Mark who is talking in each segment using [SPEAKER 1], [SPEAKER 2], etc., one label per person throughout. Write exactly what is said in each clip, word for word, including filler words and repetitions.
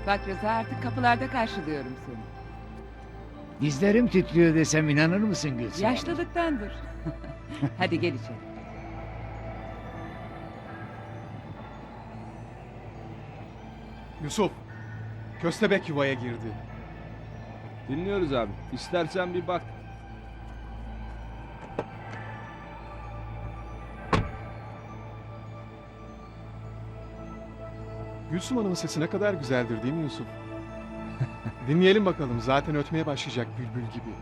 [SPEAKER 1] Bak Rıza, artık kapılarda karşılıyorum seni.
[SPEAKER 2] Dizlerim titriyor desem inanır mısın Gülsüm?
[SPEAKER 1] Yaşlılıktandır. Hadi gel içeri.
[SPEAKER 3] Yusuf, köstebek yuvaya girdi.
[SPEAKER 4] Dinliyoruz abi. İstersen bir bak.
[SPEAKER 3] Gülsüm Hanım'ın sesi ne kadar güzeldir değil mi Yusuf? Dinleyelim bakalım, zaten ötmeye başlayacak bülbül gibi.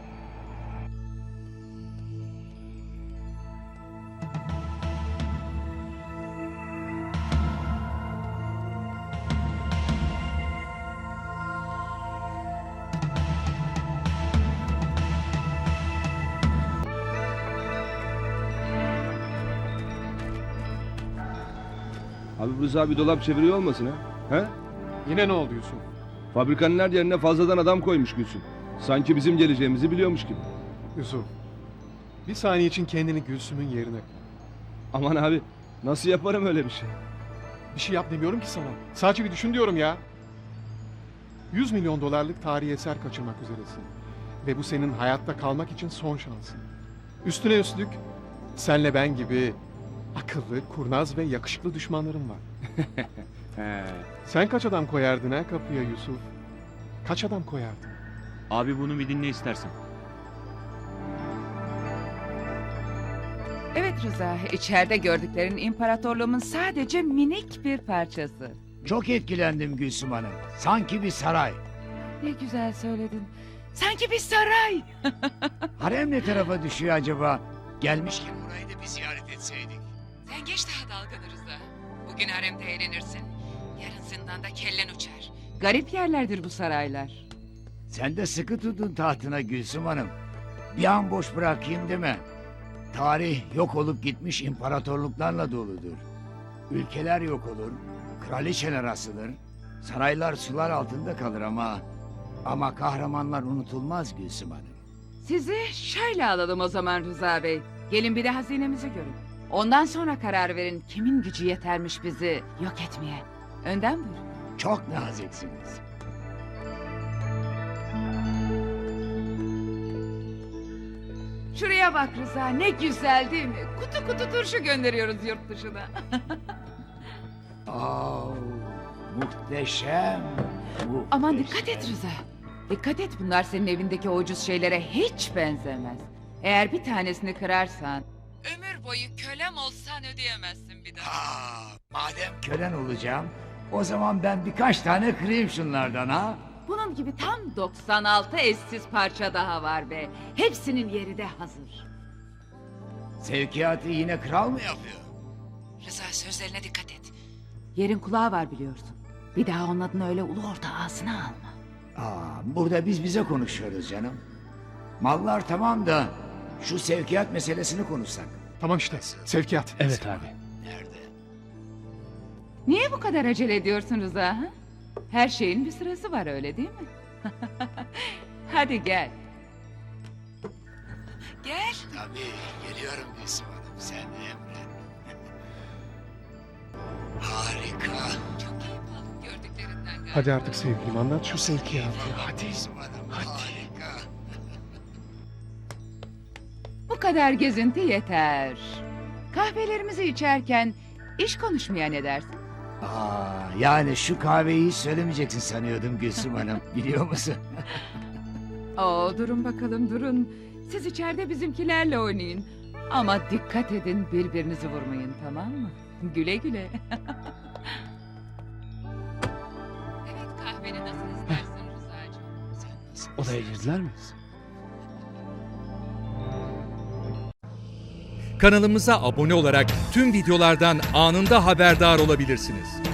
[SPEAKER 4] Abi Rıza bir dolap çeviriyor olmasın ha? He?
[SPEAKER 3] Yine ne oldu Yusuf?
[SPEAKER 4] Fabrikanın her yerine fazladan adam koymuş Gülsüm. Sanki bizim geleceğimizi biliyormuş gibi.
[SPEAKER 3] Yusuf, bir saniye için kendini Gülsüm'ün yerine koy.
[SPEAKER 4] Aman abi, nasıl yaparım öyle bir şey?
[SPEAKER 3] Bir şey yap demiyorum ki sana. Sadece bir düşün diyorum ya. yüz milyon dolarlık tarihi eser kaçırmak üzeresin. Ve bu senin hayatta kalmak için son şansın. Üstüne üstlük senle ben gibi akıllı, kurnaz ve yakışıklı düşmanlarım var.
[SPEAKER 4] He.
[SPEAKER 3] Sen kaç adam koyardın ha kapıya Yusuf? Kaç adam koyardın?
[SPEAKER 5] Abi bunu bir dinle istersen.
[SPEAKER 1] Evet Rıza, içeride gördüklerin imparatorluğumun sadece minik bir parçası.
[SPEAKER 2] Çok etkilendim Gülsüm Hanım. Sanki bir saray.
[SPEAKER 1] Ne güzel söyledin. Sanki bir saray.
[SPEAKER 2] Harem ne tarafa düşüyor acaba? Gelmişken orayı da bir ziyaret etseydik.
[SPEAKER 1] Sen geç daha dalganı Rıza. Bugün haremde eğlenirsin. Yarın zindanda kellen uçar. Garip yerlerdir bu saraylar.
[SPEAKER 2] Sen de sıkı tutun tahtına Gülsüm Hanım. Bir an boş bırakayım deme. Tarih yok olup gitmiş imparatorluklarla doludur. Ülkeler yok olur, kraliçeler asılır, saraylar sular altında kalır ama... Ama kahramanlar unutulmaz Gülsüm Hanım.
[SPEAKER 1] Sizi şöyle alalım o zaman Rıza Bey. Gelin bir de hazinemizi görün. Ondan sonra karar verin kimin gücü yetermiş bizi yok etmeye. Önden buyurun.
[SPEAKER 2] Çok naziksiniz.
[SPEAKER 1] Şuraya bak Rıza, ne güzel değil mi? Kutu kutu turşu gönderiyoruz yurt dışına.
[SPEAKER 2] Aa, muhteşem. muhteşem.
[SPEAKER 1] Aman dikkat et Rıza. Dikkat et, bunlar senin evindeki o ucuz şeylere hiç benzemez. Eğer bir tanesini kırarsan... Ömür boyu kölem olsan ödeyemezsin bir daha.
[SPEAKER 2] Aa, madem kölen olacağım, o zaman ben birkaç tane kırayım şunlardan ha.
[SPEAKER 1] Bunun gibi tam doksan altı eşsiz parça daha var be. Hepsinin yeri de hazır.
[SPEAKER 2] Sevkiyatı yine kral mı yapıyor?
[SPEAKER 1] Rıza, sözlerine dikkat et. Yerin kulağı var biliyorsun. Bir daha onun adını öyle ulu orta ağzına alma.
[SPEAKER 2] Aa, burada biz bize konuşuyoruz canım. Mallar tamam da şu sevkiyat meselesini konuşsak.
[SPEAKER 3] Tamam işte, sevkiyat.
[SPEAKER 5] Evet abi.
[SPEAKER 2] Nerede?
[SPEAKER 1] Niye bu kadar acele ediyorsun Rıza? Ha? Her şeyin bir sırası var, öyle değil mi? Hadi gel. Gel.
[SPEAKER 2] Tabii geliyorum Gülsüm Hanım, sen de emret. Harika.
[SPEAKER 1] Çok iyi oldun gördüklerinden galiba.
[SPEAKER 3] Hadi artık sevgilim, anlat şu sevkiyatı.
[SPEAKER 2] Hadi Gülsüm Hanım, harika.
[SPEAKER 1] Bu kadar gezinti yeter. Kahvelerimizi içerken iş konuşmaya ne dersin?
[SPEAKER 2] Aa, yani şu kahveyi hiç söylemeyeceksin sanıyordum Gülsüm Hanım, biliyor musun?
[SPEAKER 1] Oo, durun bakalım durun. Siz içeride bizimkilerle oynayın. Ama dikkat edin, birbirinizi vurmayın, tamam mı? Güle güle. Evet, kahveni nasıl istersin Rıza'cığım?
[SPEAKER 5] Odaya girdiler mi? Kanalımıza abone olarak tüm videolardan anında haberdar olabilirsiniz.